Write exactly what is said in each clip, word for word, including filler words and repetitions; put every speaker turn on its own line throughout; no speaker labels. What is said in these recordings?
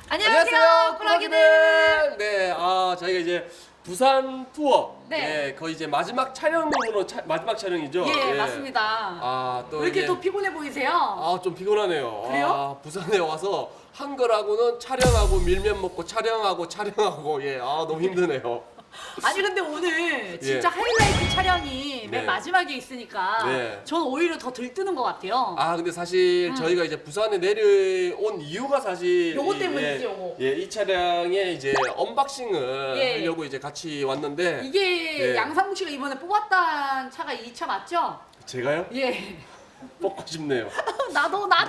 안녕하세요,
꾸러기들. 네, 아 저희가 이제 부산 투어.
네.
네, 거의 이제 마지막 촬영으로 차, 마지막 촬영이죠.
예, 맞습니다.
아, 또
왜 이렇게
이게-
또 피곤해 보이세요?
아, 좀 피곤하네요.
그래요?
아, 부산에 와서 한 거라고는 촬영하고 밀면 먹고 촬영하고 촬영하고 예, 아 너무 힘드네요.
아니 근데 오늘 진짜
예.
하이라이트 촬영이
네.
맨 마지막에 있으니까
네.
저는 오히려 더 들뜨는 것 같아요.
아 근데 사실
음.
저희가 이제 부산에 내려온 이유가 사실
요거
이-
때문이지,
예,
요거.
예, 이 차량의 이제 언박싱을
예.
하려고 이제 같이 왔는데
이게
예.
양상국 씨가 이번에 뽑았던 차가 이 차 맞죠?
제가요?
예.
뽑고 싶네요.
나도 나도.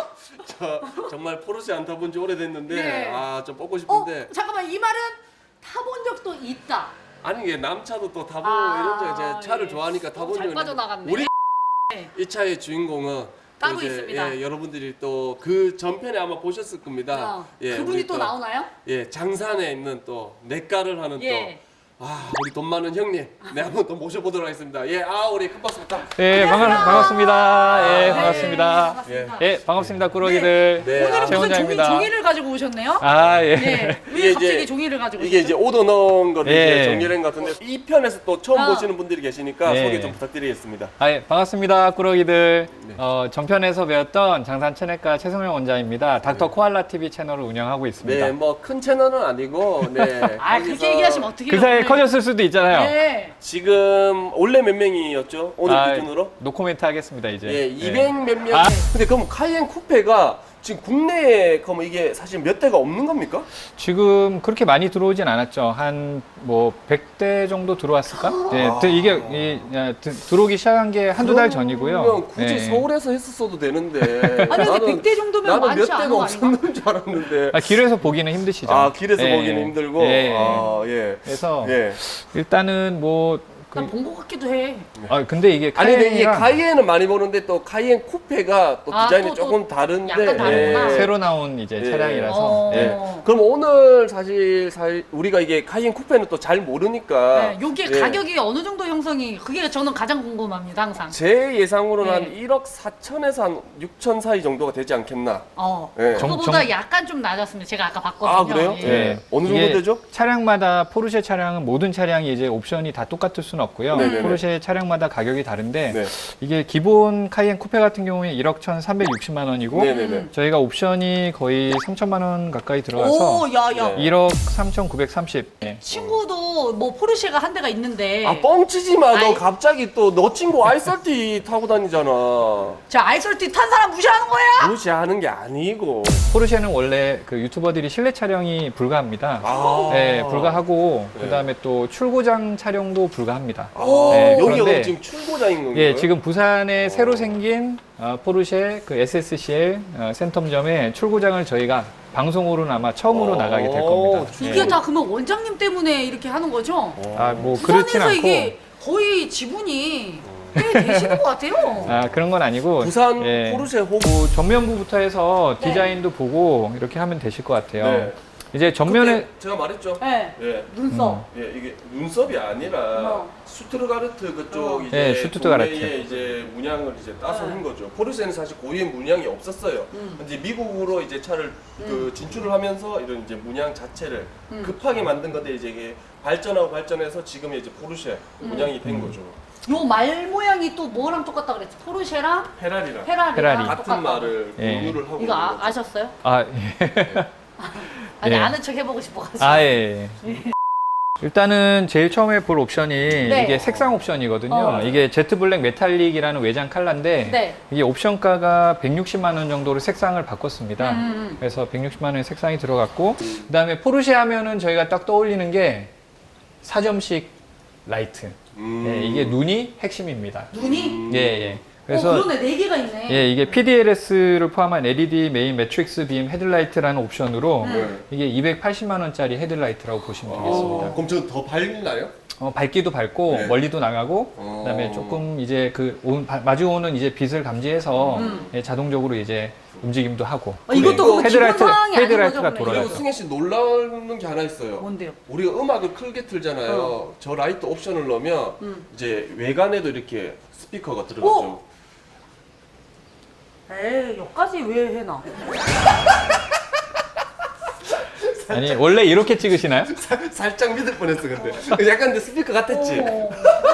저 정말 포르쉐 안 타본 지 오래됐는데
네.
아 좀 뽑고
어
싶은데
잠깐만 이 말은 타본 적도 있다.
아니 이게 남차도 또 타보고
아,
이런 적 이제 차를
예.
좋아하니까 타본
잘
적이
빠져나갔네.
우리
네.
이 차의 주인공은
따로
또 이제,
있습니다.
예, 여러분들이 또 그 전편에 아마 보셨을 겁니다.
어,
예,
그분이
우리
또 나오나요?
예, 장산에 있는 또 냇가를 하는
예.
또 아, 우리 돈 많은 형님. 네, 한번 또 모셔보도록 하겠습니다. 예, 아, 우리 큰 박수 부탁.
예, 반갑,
안녕하세요.
반갑습니다. 예,
네,
반갑습니다.
반갑습니다.
예, 반갑습니다. 꾸러기들.
네.
오늘은
아,
무슨 종이,
최원장입니다.
종이를 가지고 오셨네요?
아, 예.
네. 왜
이게
갑자기
이제-
종이를 가지고
이게 이제
오셨죠?
오더 넣은 거를
예.
이제 정리한 것 같은데 이 편에서 또 처음
아.
보시는 분들이 계시니까
예.
소개 좀 부탁드리겠습니다.
아, 예, 반갑습니다. 꾸러기들.
네.
어, 전편에서 배웠던 장산 체내과 최성영 원장입니다. 닥터 코알라 티비 채널을 운영하고 있습니다.
네, 뭐 큰 채널은 아니고 네.
아,
거기서
그렇게 얘기하시면 어떡해요?
그 사이에
오늘.
커졌을 수도 있잖아요.
네.
지금 원래 몇 명이었죠? 오늘
아,
기준으로?
노코멘트 하겠습니다, 이제.
예, 이백 몇 명.
아.
근데 그럼 카이엔 쿠페가 지금 국내에 그럼 이게 사실 몇 대가 없는 겁니까?
지금 그렇게 많이 들어오진 않았죠. 한 뭐 백 대 정도 들어왔을까? 예, 드- 이게 이, 야, 드- 들어오기 시작한 게 한두 달 전이고요.
그러면 굳이
예.
서울에서 했었어도 되는데.
아니 근데 백 대 정도면
나는
많지
몇
않은
대가
거 아닌가?
없었는 줄 알았는데.
아, 길에서 보기는 힘드시죠.
아, 길에서
예.
보기는 힘들고.
예.
아, 예.
그래서
예.
일단은 뭐 그,
난 본 것 같기도 해.
아 근데 이게
아니 근데 이게
카이엔이랑
카이엔은 많이 보는데 또 카이엔 쿠페가 또
아,
디자인이
또, 또
조금 다른데.
약간 다르구나.
새로 나온 이제
예.
차량이라서
어.
예.
그럼 오늘 사실, 사실 우리가 이게 카이엔 쿠페는 또 잘 모르니까.
네, 요게
예.
가격이 어느 정도 형성이 그게 저는 가장 궁금합니다 항상.
제 예상으로는
네.
한 일억 사천에서 한 육천 사이 정도가 되지 않겠나.
어.
예.
정-
그거보다
정-
약간 좀 낮았습니다. 제가 아까 봤거든요.
아, 그래요?
예.
예. 어느 정도
이게
되죠?
차량마다 포르쉐 차량은 모든 차량이 이제 옵션이 다 똑같을 수는 없고요.
네네네.
포르쉐 차량마다 가격이 다른데
네.
이게 기본 카이엔 쿠페 같은 경우에 일억 천삼백육십만 원이고
네네네.
저희가 옵션이 거의 삼천만 원 가까이 들어가서
오, 야, 야.
네.
일억 삼천구백삼십. 예.
친구도 뭐 포르쉐가 한 대가 있는데.
아, 뻥치지 마. 너
아이.
갑자기 또 너 친구 아이서티 타고 다니잖아.
저 아이솔티 탄 사람 무시하는 거야?
무시하는 게 아니고.
포르쉐는 원래 그 유튜버들이 실내 촬영이 불가합니다.
아.
네, 불가하고
네.
그다음에 또 출고장 촬영도 불가합니다.
아,
네,
여기가
그런데-
그럼 지금 출고장인 건가요?
예, 지금 부산에
어.
새로 생긴 어, 포르쉐 그 에스에스씨엘 어, 센텀점에 출고장을 저희가 방송으로는 아마 처음으로
어,
나가게 될 겁니다.
이게
예.
다 그러면 원장님 때문에 이렇게 하는 거죠?
아, 뭐 그렇진
부산에서
않고
이게 거의 지분이 꽤 되시는 것 같아요.
아, 그런 건 아니고
부산
예.
포르쉐 호구.
뭐 전면부부터 해서
네.
디자인도 보고 이렇게 하면 되실 것 같아요.
네.
이제 전면에
그때 제가 말했죠.
네.
예.
눈썹.
예, 이게 눈썹이 아니라
어.
슈트르가르트 그쪽
어.
이제
예, 슈투트가르트.
국내에 이제 문양을 이제 따서
네.
한 거죠. 포르쉐는 사실 고유의 문양이 없었어요.
음.
이제 미국으로 이제 차를 그 진출을 하면서 이런 이제 문양 자체를
음.
급하게 만든 건데 이제 이게 발전하고 발전해서 지금 이제 포르쉐
음.
문양이 된 거죠.
요 말 모양이 또 뭐랑 똑같다 그랬지? 포르쉐랑
페라리랑
페라리랑
페라리.
같은
똑같다고.
말을
예.
공유를 하고
이거
있는
아,
거죠.
아셨어요?
아, 예.
아니
예.
아는 척 해보고 싶어가지고.
아, 예. 일단은 제일 처음에 볼 옵션이
네.
이게 색상 옵션이거든요.
어.
이게 제트 블랙 메탈릭이라는 외장 컬러인데
네.
이게 옵션가가 백육십만 원 정도로 색상을 바꿨습니다.
음, 음.
그래서 백육십만 원의 색상이 들어갔고 그다음에 포르쉐 하면은 저희가 딱 떠올리는 게 사점식 라이트.
음.
예, 이게 눈이 핵심입니다.
눈이?
예, 예.
그래서
그래서
어, 그러네 네 개가 있네.
예, 이게 피디엘에스를 포함한 엘이디 메인 매트릭스 빔 헤드라이트라는 옵션으로
음.
이게 이백팔십만 원짜리 헤드라이트라고 보시면 되겠습니다.
어, 그럼 저 더 밝나요?
어, 밝기도 밝고
네.
멀리도 나가고
어.
그다음에 조금 이제 그 온- 바- 마주오는 이제 빛을 감지해서
음.
예, 자동적으로 이제 움직임도 하고
어, 이것도
그리고
그럼 기본
헤드라이트-
사항이 아닌
헤드라이트가
거죠? 그러면?
돌아가죠.
그리고 승혜 씨 놀라는 게 하나 있어요.
뭔데요?
우리가 음악을 크게 틀잖아요. 저 라이트 옵션을 넣으면
음.
이제 외관에도 이렇게 스피커가 들어가죠.
에이 여기까지 왜 해놔?
아니 원래 이렇게 찍으시나요?
살- 살짝 믿을 뻔했어 근데. 약간 근데 스피커 같았지.
어.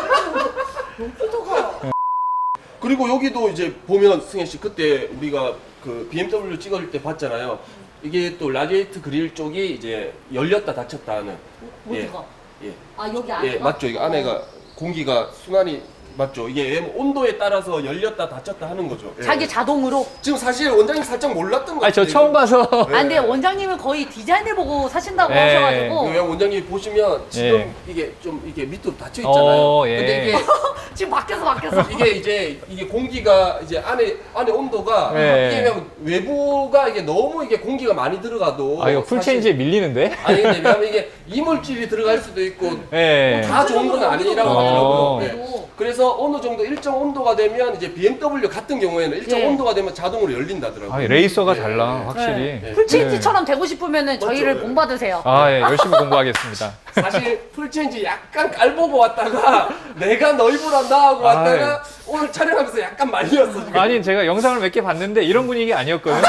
컴퓨터가
그리고 여기도 이제 보면 승현 씨 그때 우리가 그 비엠더블유 찍을 때 봤잖아요. 이게 또 라디에이터 그릴 쪽이 이제 열렸다 닫혔다 하는.
어디가?
예.
아 여기 안에
예, 맞죠. 이게 안에가 공기가 순환이 맞죠. 이게 온도에 따라서 열렸다 닫혔다 하는 거죠. 예.
자기 자동으로.
지금 사실 원장님 살짝 몰랐던 거
아 저
같아요.
처음 봐서.
아 근데 원장님은 거의 디자인을 보고 사신다고
네.
하셔가지고
왜 원장님 보시면 지금
예.
이게 좀 이게 밑으로 닫혀 있잖아요.
어, 예.
근데 이게
지금 바뀌어서 바뀌어서.
이게 이제 이게 공기가 이제 안에 안에 온도가
네.
이게 그냥 외부가 이게 너무 이게 공기가 많이 들어가도
아 이거 풀
사실-
체인지에 밀리는데?
아니 근데 왜냐면 이게 이물질이 들어갈 수도 있고
예.
다 좋은 건 아니라고
어.
하더라고요. 예.
그래도
그래서 어느 정도 일정 온도가 되면 이제 비엠더블유 같은 경우에는 일정
예.
온도가 되면 자동으로 열린다더라고요.
아 레이서가
예.
달라 확실히.
네.
풀체인지처럼 되고 싶으면은
맞죠?
저희를
예.
본받으세요.
아 예, 열심히 공부하겠습니다.
사실 풀체인지 약간 깔보고 왔다가 내가 너 입으란다 하고
아,
왔다가 오늘 촬영하면서 약간 말렸어 지금.
아니 제가 영상을 몇 개 봤는데 이런 분위기 아니었거든요.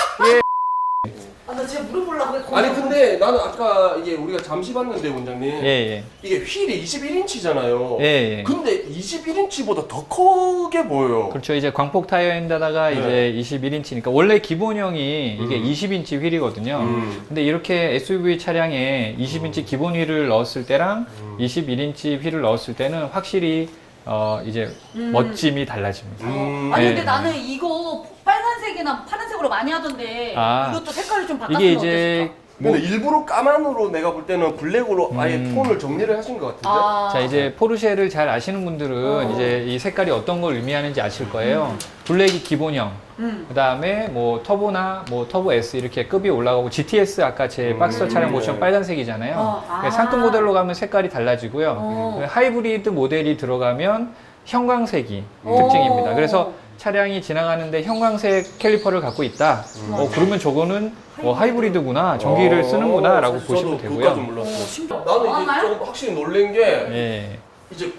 아 나 진짜 물어보려고 했거든.
아니 근데 나는 아까 이게 우리가 잠시 봤는데 원장님
예예.
이게 휠이 이십일 인치잖아요.
예, 예.
근데 이십일 인치보다 더 크게 보여요.
그렇죠. 이제 광폭 타이어인데다가
네.
이제 이십일 인치니까 원래 기본형이 이게
음.
이십 인치 휠이거든요.
음.
근데 이렇게 에스유브이 차량에 이십 인치 기본 휠을 넣었을 때랑
음.
이십일 인치 휠을 넣었을 때는 확실히 어 이제
음.
멋짐이 달라집니다.
음.
아니
네.
근데 나는 이거 빨간색이나 파란색으로 많이 하던데
아.
이것도 색깔을 좀 바꿨으면
이게 이제
어땠을까?
뭐
근데 일부러 까만으로 내가 볼 때는 블랙으로 아예
음.
톤을 정리를 하신 것 같은데.
아.
자 이제 포르쉐를 잘 아시는 분들은
어.
이제 이 색깔이 어떤 걸 의미하는지 아실 거예요. 블랙이 기본형,
음.
그 다음에 뭐 터보나 뭐 터보 S 이렇게 급이 올라가고 지티에스 아까 제
음.
박스터 차량 보시면
네.
빨간색이잖아요.
어, 아.
그러니까 상급 모델로 가면 색깔이 달라지고요.
어.
하이브리드 모델이 들어가면 형광색이
오.
특징입니다. 그래서 차량이 지나가는데 형광색 캘리퍼를 갖고 있다.
음.
어, 그러면 저거는 어, 하이브리드구나, 전기를
어,
쓰는구나 라고
사실
보시면
저도 그것까지
되고요.
몰랐어요.
어, 신기하다.
나는 이제
알아요?
좀 확실히 놀란 게
예.
이제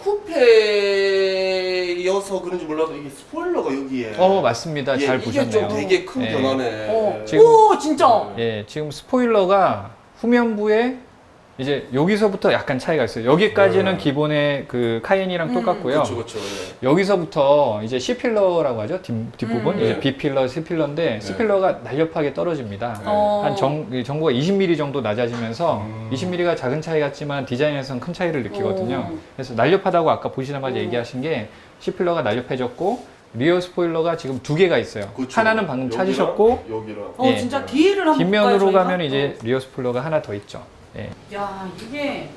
쿠페여서 그런지 몰라도 이게 스포일러가 여기에.
어 맞습니다.
예,
잘
이게
보셨네요.
좀 되게 큰
예.
변화네.
어.
지금-
오 진짜.
예, 지금 스포일러가 후면부에 이제 여기서부터 약간 차이가 있어요. 여기까지는
네.
기본의 그 카이엔이랑
음.
똑같고요.
그렇죠, 그렇죠. 예.
여기서부터 이제 C필러라고 하죠. 뒷, 뒷부분.
음.
이제
네.
B필러, C필러인데 C필러가 날렵하게 떨어집니다.
어.
한 정, 이 정보가 이십 밀리미터 정도 낮아지면서
음.
이십 밀리미터가 작은 차이 같지만 디자인에서는 큰 차이를 느끼거든요.
오.
그래서 날렵하다고 아까 보시자마자
오.
얘기하신 게 C필러가 날렵해졌고 리어 스포일러가 지금 두 개가 있어요.
그렇죠.
하나는 방금
여기랑
찾으셨고
여기랑.
어
예.
진짜 뒤를 한번
뒷면으로
볼까요, 저희가?
가면 이제 리어 스포일러가 하나 더 있죠. 예.
야 이게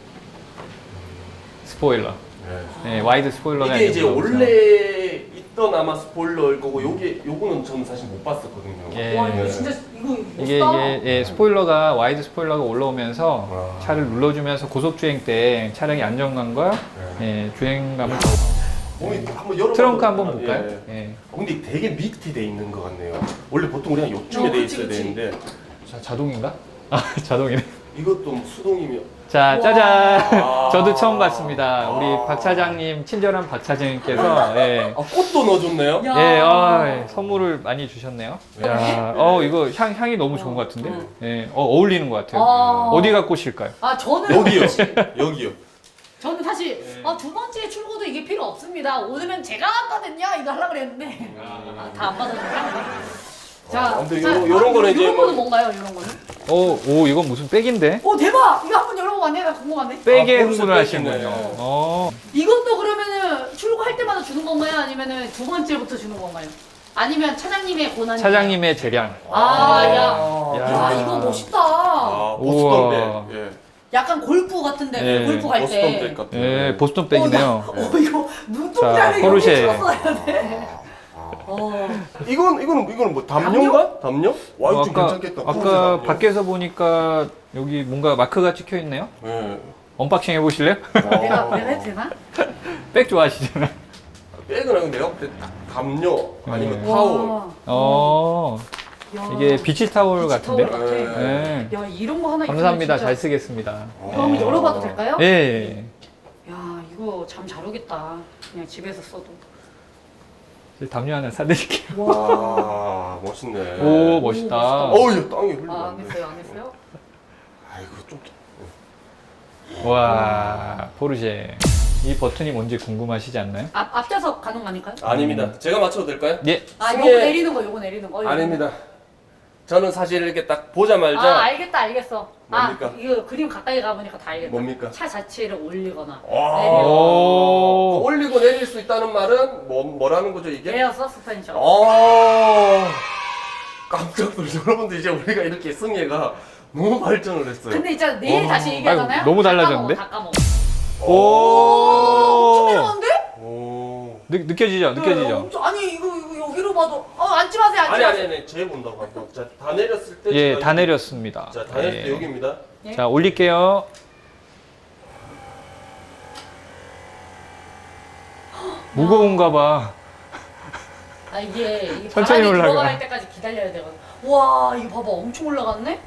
스포일러.
네.
예, 와이드 스포일러가
이게 이제
있는 거죠.
원래 있던 아마 스포일러일 거고 요게 요거는 저는 사실 못 봤었거든요.
예.
와 이거 진짜 이거
이게
멋있다.
이게 예, 스포일러가 와이드 스포일러가 올라오면서
와.
차를 눌러주면서 고속 주행 때 차량의 안정감과
네.
예, 주행감을
몸이 한번 열어.
트렁크 한번 볼까요?
예.
예.
어, 근데 되게 밑에 돼 있는 것 같네요. 원래 보통 그냥 요쯤에
어,
돼
그치,
있어야
그치.
되는데
자, 자동인가? 아, 자동이네.
이것도 수동이면.
자,
우와.
짜잔.
아.
저도 처음 봤습니다. 우리
아.
박 차장님, 친절한 박 차장님께서 예.
아 꽃도 넣어줬네요.
야.
예, 어, 예, 선물을 많이 주셨네요.
네.
야, 어, 이거 향, 향이 너무 좋은 것 같은데?
음.
예, 어, 어울리는 것 같아요.
아.
어디가 꽃일까요?
아 저는
여기요. 여기요.
저는 사실
네.
아, 두 번째 출고도 이게 필요 없습니다. 오늘은 제가 왔거든요. 이거 하려고 그랬는데 아, 다 안 받아주네. 자,
아, 근데
자,
요런- 요런 거는 이제
요런
뭐-
거는 뭔가요? 이런 거는?
어, 오, 이건 무슨 백인데?
오 대박! 이거 한번 열어보면 나 궁금하네.
백에
아,
흥분을
벌써
하시는군요.
백이네.
어.
이것도 그러면은 출고할 때마다 주는 건가요? 아니면은 두 번째부터 주는 건가요? 아니면 차장님의 권한이?
차장님의 재량.
아, 야.
야.
야, 이거 멋있다.
아, 보스턴
우와.
백. 예.
약간 골프 같은데
네.
골프 갈
보스턴
때.
백 같은.
예, 보스턴
어,
백이네요.
나- 어, 이거 눈동자를
자,
여기
포르쉐.
찍었어야 돼. 어.
이건 이거는 이거는 뭐 담요인가? 담요? 와 이거
어,
좀
아까,
괜찮겠다.
아까
푸른색 담요.
밖에서 보니까 여기 뭔가 마크가 찍혀 있네요.
예.
언박싱 해보실래요?
내가
아.
내가 해도 되나?
백 좋아하시잖아요.
백은 아니고 내가 볼 때 딱 담요 아니면
네.
타올.
와.
어,
야.
이게 비치 타올
비치
같은데?
타올 같아.
예.
야 이런 거 하나
감사합니다.
있으면
잘
진짜-
쓰겠습니다.
이거 한번 열어봐도 될까요?
예, 예.
야 이거 잠 잘 오겠다. 그냥 집에서 써도.
예. 담요 하나 사드릴게요.
와 멋있네.
오, 멋있다.
멋있다.
어우 야 땅이 흘러.
아 안 했어요 안 했어요?
아이고 좀.
와, 포르쉐. 이 버튼이 뭔지 궁금하시지 않나요?
앞 앞좌석 가는 거 아닐까요?
아닙니다. 제가 맞춰도 될까요?
예.
아
승혜-
요거 내리는 거 요거 내리는 거. 이거.
아닙니다. 저는 사실 이렇게 딱 보자마자
아 알겠다 알겠어.
뭡니까?
아 이거 그림 가까이 가보니까 다 알겠다.
뭡니까?
차 자체를 올리거나
아,
내리거나.
오.
올리고 내릴 수 있다는 말은 뭐 뭐라는 거죠 이게?
에어 서스펜션.
아, 깜짝 놀랐어요. 여러분들 이제 우리가 이렇게 승혜가 너무 발전을 했어요.
근데 있잖아 내일
와.
다시 얘기하잖아요.
아이고, 너무
다
달라졌는데?
까먹어, 다 까먹어.
오.
엄청 내려가는데?
오.
느, 느껴지죠?
네,
느껴지죠?
엄청, 아니 이거 이거 여기로 봐도 어 앉지 마세요 앉지
아니 아니
마세요.
아니 제 본다고 한번. 자, 다 내렸을 때
예,
제가
다
여기-
내렸습니다.
자, 다 내렸을 때
예.
여기입니다.
네.
자, 올릴게요. 무거운가 봐.
아 이게, 이게
천천히
바람이
올라가.
들어갈 때까지 기다려야 되거든. 와 이거 봐봐 엄청 올라갔네.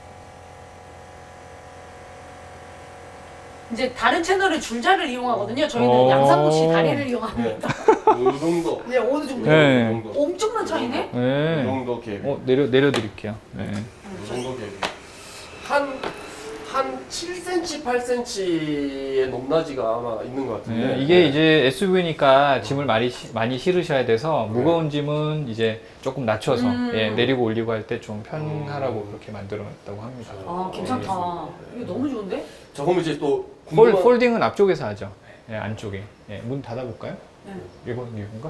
이제 다른 채널은 줄자를 이용하거든요. 저희는
오.
양상구씨 다리를
네.
이용합니다.
이 정도.
네 어느 정도?
네.
이 정도.
엄청난 차이네.
이
네.
정도 갭이.
어, 내려 내려드릴게요. 네.
이 정도 갭이. 한, 한 칠 센티미터, 팔 센티미터의 높낮이가 아마 있는 것 같은데.
네, 이게 이제 에스유브이니까 짐을 많이 시- 많이 실으셔야 돼서 무거운 짐은 이제 조금 낮춰서
음.
예, 내리고 올리고 할 때 좀 편하라고 그렇게 만들어놨다고 합니다.
아 괜찮다. 이거 너무 좋은데?
저 그럼 이제 또
폴,
궁금한-
폴딩은 앞쪽에서 하죠. 예, 안쪽에. 예, 문 닫아볼까요?
네.
이거 이건가?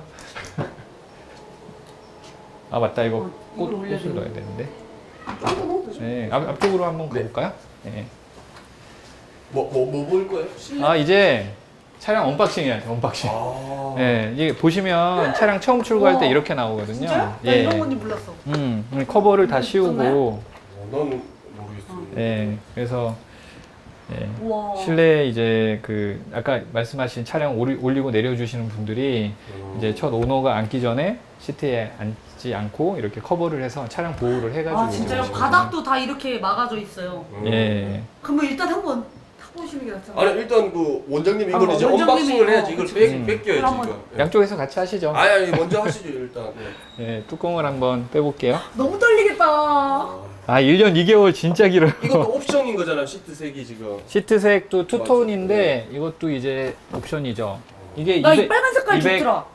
아 맞다 이거
어,
꽃,
이걸 올려야
꽃을
되는데.
넣어야 되는데.
조금 더.
네, 앞, 앞쪽으로 한번
네.
가볼까요? 네.
뭐, 뭐, 뭐 볼 거예요? 실내?
아 이제 차량 언박싱 해야 돼 언박싱.
아.
예, 이게 보시면 차량 처음 출고할 때
우와.
이렇게 나오거든요.
진짜요? 나
예.
이런 건지 몰랐어.
음, 커버를 다
이거
씌우고,
좋나요?
어, 나는 모르겠어요.
예, 그래서 예,
우와.
실내 이제 그 아까 말씀하신 차량 올리, 올리고 내려주시는 분들이
음.
이제 첫 오너가 앉기 전에 시트에 앉지 않고 이렇게 커버를 해서 차량 보호를 해가지고.
아 진짜요?
오시거든요.
바닥도 다 이렇게 막아져 있어요.
음.
예.
그러면 일단 한번 타보시는 게 낫잖아요.
아니 일단 그 원장님 이걸
한번
이제
원장님이
언박싱을 해야지
어,
이걸
그치,
뺏,
그치.
뺏겨야지
그럼 한번-
이거. 예.
양쪽에서 같이 하시죠.
아니 아니 먼저 하시죠 일단. 네.
예, 뚜껑을 한번 빼볼게요.
너무 떨리겠다.
아, 일 년 이 개월 진짜 길어요.
이것도 옵션인 거잖아요 시트 색이 지금.
시트색도 투톤인데 이것도 이제 옵션이죠. 이게
나 이
이백
빨간 색깔
이백
좋더라.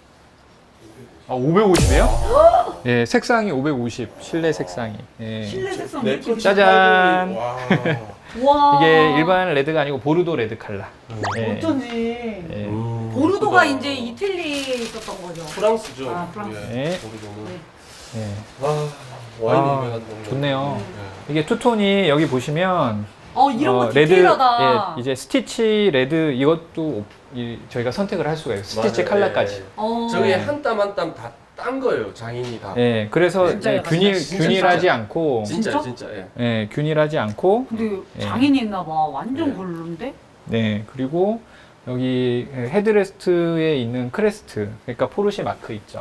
아, 오백오십이에요? 예, 색상이 오백오십, 실내 색상이. 예.
실내 색상
내
느낌.
거
짜잔.
와.
와.
이게 일반 레드가 아니고 보르도 레드 컬러. 예.
어쩐지.
예.
음,
보르도가
예쁘다.
이제 이태리에 있었던 거죠.
프랑스죠.
아, 프랑스.
예.
네.
보르도는.
예.
아 와인이
아,
유명한 동네.
좋네요.
예.
이게 투톤이 여기 보시면
어 이런 거
레드,
디테일하다.
예, 이제 스티치 레드 이것도 이, 저희가 선택을 할 수가 있어요. 스티치
맞아요.
컬러까지.
어.
저게 한 땀 한 땀 다 딴 거예요 장인이 다.
예, 그래서
진짜요?
이제 균일
진짜,
균일하지
진짜.
않고,
진짜
진짜?
진짜 예.
예, 균일하지 않고,
근데
예.
장인이 있나 봐. 완전
예.
별론데?
네, 그리고 여기 헤드레스트에 있는 크레스트, 그러니까 포르쉐 마크 있죠.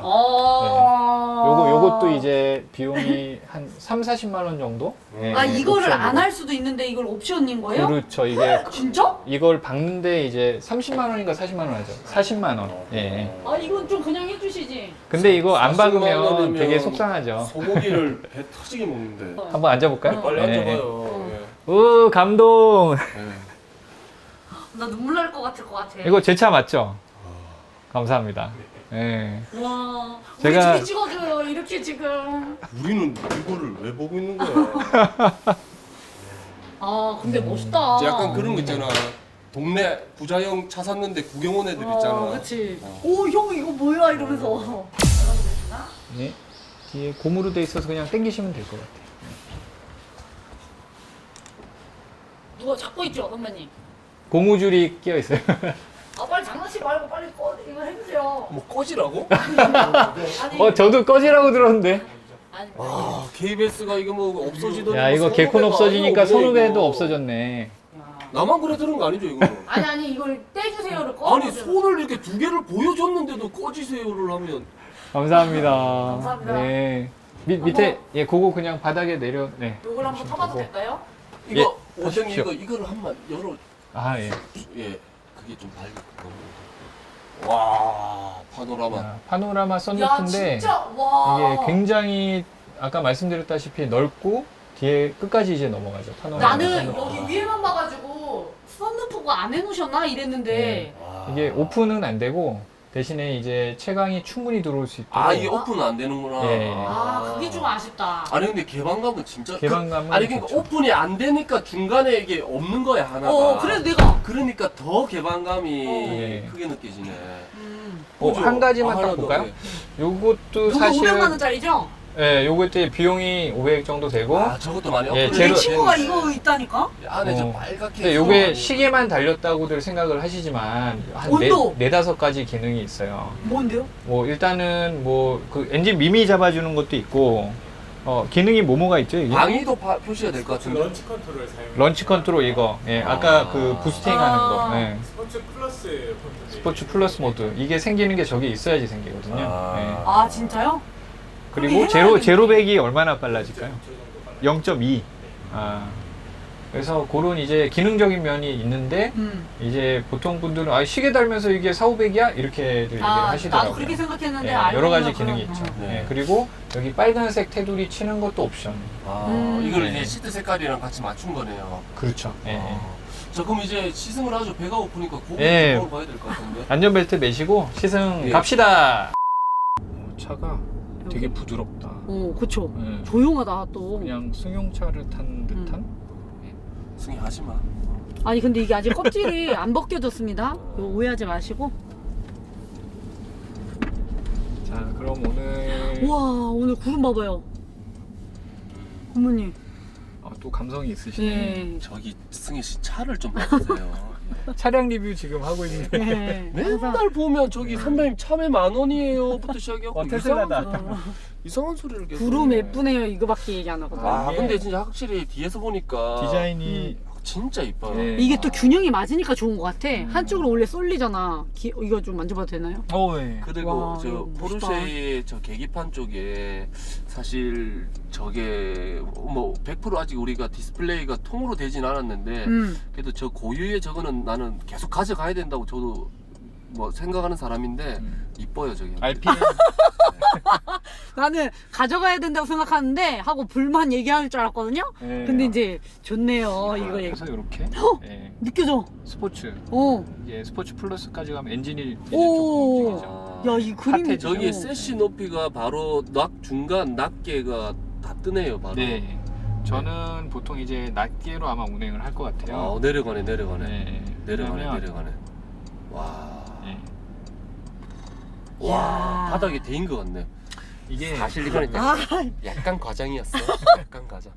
어.
요거 요것도 이제 비용이 한 삼, 사십만 원 정도? 예,
아 이거를
옵션으로.
안 할 수도 있는데 이걸 옵션인 거예요?
그렇죠. 이게
진짜?
이걸 박는데 이제 삼십만 원인가 사십만 원 하죠. 사십만 원. 예.
아 이건 좀 그냥 해주시지.
근데 이거 안
사십만
박으면
원이면
되게 속상하죠.
소고기를 배 터지게 먹는데.
한번 앉아볼까요?
빨리
예.
앉아봐요. 예.
오, 감동.
예.
나 눈물 날 것 같을 것 같아.
이거 제 차 맞죠? 감사합니다. 예.
와.
제가-
우리 집이 찍어줘요. 이렇게 지금.
우리는 이거를 왜 보고 있는 거야?
아 근데 멋있다.
이제 약간 그런 거 있잖아. 동네 부자형 차 샀는데 구경 온 애들 있잖아.
어, 그치.
어.
오 형 이거 뭐야 이러면서.
예. 뒤에 고무로 돼 있어서 그냥 당기시면 될 것 같아요.
누가 잡고 있죠 선배님?
고무줄이 끼어 있어요.
아 빨리 장난치지 말고 빨리 꺼 이거 해주세요.
뭐 꺼지라고?
아니.
어, 저도 꺼지라고 들었는데.
아니.
아 케이비에스가 이거 뭐 없어지더니
야, 이거
뭐
개콘
선후배가
없어지니까
아니고
선후배도
이거.
없어졌네.
나만 그래 들은 거 아니죠 이거?
아니 아니 이걸 떼주세요를 꺼.
아니 손을 이렇게 두 개를 보여줬는데도 꺼지세요를 하면
감사합니다.
감사합니다.
네. 밑, 밑에, 예, 그거 그냥 바닥에 내려, 네.
요걸 한번 타봐도 될까요?
이거
예,
원장님
하십시오.
이거 이거를 한번 열어.
아, 예.
예 그게 좀 밝고. 와 파노라마.
아, 파노라마
야
썬루프인데,
진짜 와.
이게 굉장히, 아까 말씀드렸다시피 넓고, 뒤에 끝까지 이제 넘어가죠. 파노라마
나는
썬루프.
여기 위에만 봐가지고 썬루프가 안 해놓으셨나 이랬는데
이게 오픈은 안 되고 대신에 이제 채광이 충분히 들어올 수 있도록
아 이게 오픈은 안 되는구나.
예.
아 그게 좀 아쉽다.
아니 근데 개방감은 진짜
개방감은
그, 아니 그러니까
좋죠.
오픈이 안 되니까 중간에 이게 없는 거야 하나가.
어 그래서 내가
그러니까 더 개방감이
예.
크게 느껴지네.
음.
어,
그죠?
한 가지만
아,
딱
하나 더,
볼까요?
네.
요것도
요거
사실
오백만 원짜리죠?
예, 요것도 비용이 오백 정도 되고
아 저것도 많이
예,
업그레이드
제로-
내 친구가
되는데.
이거 있다니까?
안에 저
어.
빨갛게.
근데 요게
많이-
시계만 달렸다고들 생각을 하시지만 한
온도!
네, 네다섯 가지 기능이 있어요.
뭔데요?
뭐 일단은 뭐 그 엔진 미미 잡아주는 것도 있고 어 기능이 뭐뭐가 있죠 이게?
방위도 파- 표시가 될 것 같은데.
런치 컨트롤 사용.
런치 컨트롤 이거 예 아까
아.
그 부스팅 하는 거
아.
예.
스포츠 플러스 컨트롤.
스포츠 플러스 모드 이게 생기는 게 저게 있어야지 생기거든요.
아.
예.
아 진짜요?
그리고
그럼
제로
해놔야겠네.
제로백이 얼마나 빨라질까요?
저 정도 빨라.
영 점 이. 아 그래서 그런 이제 기능적인 면이 있는데
음.
이제 보통 분들은 아 시계 달면서 이게 사오백이야 이렇게 얘기를
아
하시더라고요.
나도 그렇게 생각했는데
예,
알고
여러 가지
보니까
기능이
그런-
있죠.
어.
네.
예, 그리고 여기 빨간색 테두리 치는 것도 옵션.
아
음.
이걸
네.
이제 시트 색깔이랑 같이 맞춘 거네요.
그렇죠. 예, 예.
아. 자 그럼 이제 시승을 하죠. 배가 고프니까 고기
예.
먹으러 가야 될 것 같은데.
안전벨트 매시고 시승
예.
갑시다. 어, 차가 되게 부드럽다.
어 그쵸.
예.
조용하다 또.
그냥 승용차를 탄 듯한.
승희 하지 마.
아니 근데 이게 아직 껍질이 안 벗겨졌습니다. 이거 오해하지 마시고.
자 그럼 오늘
와 오늘 구름 봐봐요. 어머니.
어, 또 감성이 있으시네.
예.
저기 승희 씨 차를 좀 봐주세요.
차량 리뷰 지금 하고 있는데.
예.
맨날 보면 저기 선배님 참외 만 원이에요부터 시작해갖고
어, 테슬라다.
이상한, 소리- 이상한 소리를 계속
구름
해.
예쁘네요. 이거밖에 얘기 안 하거든.
아
이게-
근데 진짜 확실히 뒤에서 보니까
디자인이
진짜 이뻐요.
예.
이게 또 균형이 맞으니까 좋은 것 같아. 한쪽으로 원래 쏠리잖아. 기- 이거 좀 만져봐도 되나요?
어, 예.
그리고
와,
저
이거 멋있다.
포르쉐의 저 계기판 쪽에 사실 저게 뭐 백 퍼센트 아직 우리가 디스플레이가 통으로 되진 않았는데
음.
그래도 저 고유의 저거는 나는 계속 가져가야 된다고 저도 뭐 생각하는 사람인데
음.
이뻐요 저게.
알피엠
나는 가져가야 된다고 생각하는데 하고 불만 얘기할 줄 알았거든요.
예.
근데 이제 좋네요. 이거 얘기.
그래서 이렇게 예.
느껴져.
스포츠
어.
이게 스포츠 플러스까지 가면 엔진이 이제 조금
오.
움직이죠.
야 이 그림이
핫해,
저기
어.
세시 높이가 바로 낙 중간 낱개가 다 뜨네요 바로.
네. 저는 보통 이제 낮게로 아마 운행을 할 것 같아요.
아 내려가네 내려가네
네.
내려가네
왜냐면-
내려가네. 와.
예.
와
야.
바닥에 대인 것 같네.
이게
사실 이거는
아
약간 과장이었어. 약간 과장.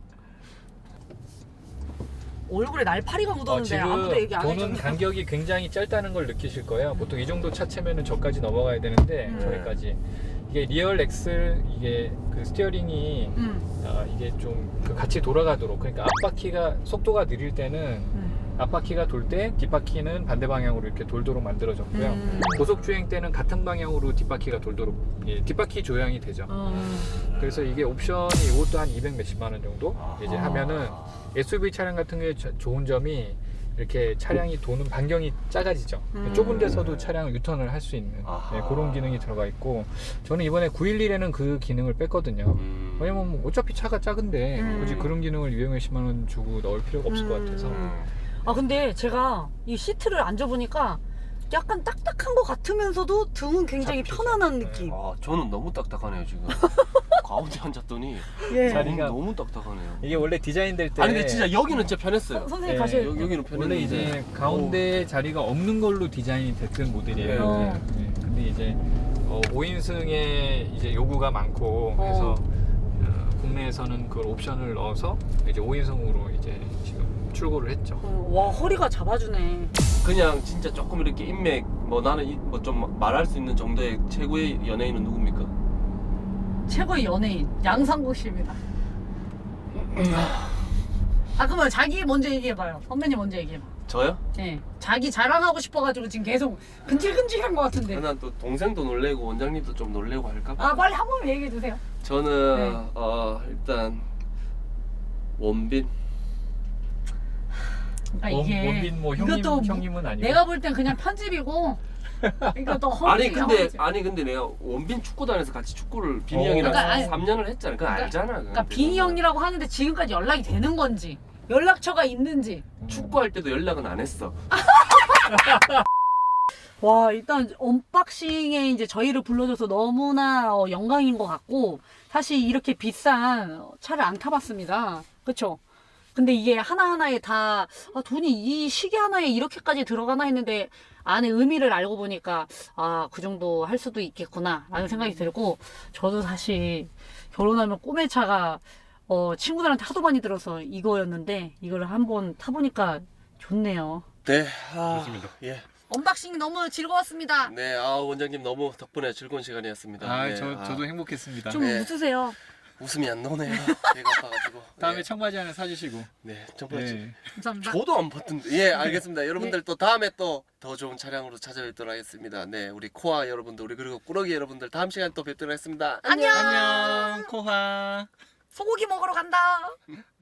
얼굴에 날파리가
어,
묻었는데
지금
아무도 얘기 안
도는
해줘.
간격이 굉장히 짧다는 걸 느끼실 거예요. 보통 이 정도 차체면은 저까지 넘어가야 되는데
음.
저기까지 이게 리얼 엑셀 이게 그 스티어링이
음.
아, 이게 좀 그 같이 돌아가도록 그러니까 앞바퀴가 속도가 느릴 때는
음.
앞바퀴가 돌 때 뒷바퀴는 반대 방향으로 이렇게 돌도록 만들어졌고요.
음.
고속 주행 때는 같은 방향으로 뒷바퀴가 돌도록 예, 뒷바퀴 조향이 되죠.
어.
그래서 이게 옵션이 이것도 한 이백 몇십만 원 정도 이제 하면은 에스유브이 차량 같은 경우에 저- 좋은 점이 이렇게 차량이 도는 반경이 작아지죠.
음.
좁은 데서도 차량을 유턴을 할 수 있는
아하.
네, 그런 기능이 들어가 있고 저는 이번에 구백십일에는 그 기능을 뺐거든요.
음.
왜냐면 뭐 어차피 차가 작은데
음.
굳이 그런 기능을 이백몇십만 원 주고 넣을 필요가 없을 것 같아서
음. 아 근데 제가 이 시트를 앉아보니까 약간 딱딱한 것 같으면서도 등은 굉장히
잡히죠.
편안한
네.
느낌.
아 저는 너무 딱딱하네요 지금. 가운데 앉았더니
예.
자리-
너무, 너무 딱딱하네요.
이게 원래 디자인 될 때
아니 근데 진짜 여기는 진짜 편했어요.
선- 선생님
예,
가실.
여기, 여기는 편했는데
원래 이제 가운데 자리가 없는 걸로 디자인이 됐던 모델이에요.
어.
네. 근데 이제 어, 오 인승에 이제 요구가 많고
어.
그래서 어, 국내에서는 그걸 옵션을 넣어서 이제 오 인승으로 이제 지금 출고를 했죠.
어, 와 허리가 잡아주네.
그냥 진짜 조금 이렇게 인맥 뭐 나는 뭐 좀 말할 수 있는 정도의 최고의 연예인은 누굽니까?
최고의 연예인 양상국 씨입니다. 아 그러면 자기 먼저 얘기해봐요. 선배님 먼저 얘기해봐.
저요?
네. 자기 자랑하고 싶어가지고 지금 계속 근질근질한 것 같은데.
난 또 동생도 놀래고 원장님도 좀 놀래고 할까?
아 빨리 한 번 얘기해주세요.
저는
네.
어 일단 원빈
그러니까
원-
이게
원빈 뭐 형님,
이것도
형님은 아니고
내가 볼 땐 그냥 편집이고 그러니까 또
아니
허벅지,
근데
허벅지.
아니 근데 내가 원빈 축구단에서 같이 축구를 빈이
어.
형이랑
그러니까 아니-
삼 년을 했잖아. 그건
그러니까-
알잖아.
그러니까 빈이 형이라고 하는데 지금까지 연락이 되는 건지 연락처가 있는지.
축구할 때도 연락은 안 했어.
와, 일단 언박싱에 이제 저희를 불러줘서 너무나 어, 영광인 것 같고, 사실 이렇게 비싼 차를 안 타봤습니다. 그쵸? 근데 이게 하나하나에 다 아, 돈이 이 시계 하나에 이렇게까지 들어가나 했는데 안에 의미를 알고 보니까 아, 그 정도 할 수도 있겠구나 라는 생각이 들고, 저도 사실 결혼하면 꿈의 차가 어, 친구들한테 하도 많이 들어서 이거였는데 이걸 한번 타보니까 좋네요.
네. 아,
좋습니다.
예.
언박싱 너무 즐거웠습니다.
네. 아 원장님 너무 덕분에 즐거운 시간이었습니다.
아,
네,
저
아,
저도 행복했습니다.
좀
네.
웃으세요.
웃음이 안 나오네요. 배가 아파가지고.
다음에
네.
청바지 하나 사주시고.
네. 정말
네.
감사합니다.
저도 안 봤던데. 예, 알겠습니다. 여러분들 또 다음에 또 더 좋은 차량으로 찾아뵙도록 하겠습니다. 네, 우리 코아 여러분들, 우리 그리고 꾸러기 여러분들 다음 시간에 또 뵙도록 하겠습니다.
안녕.
안녕, 코하.
소고기 먹으러 간다.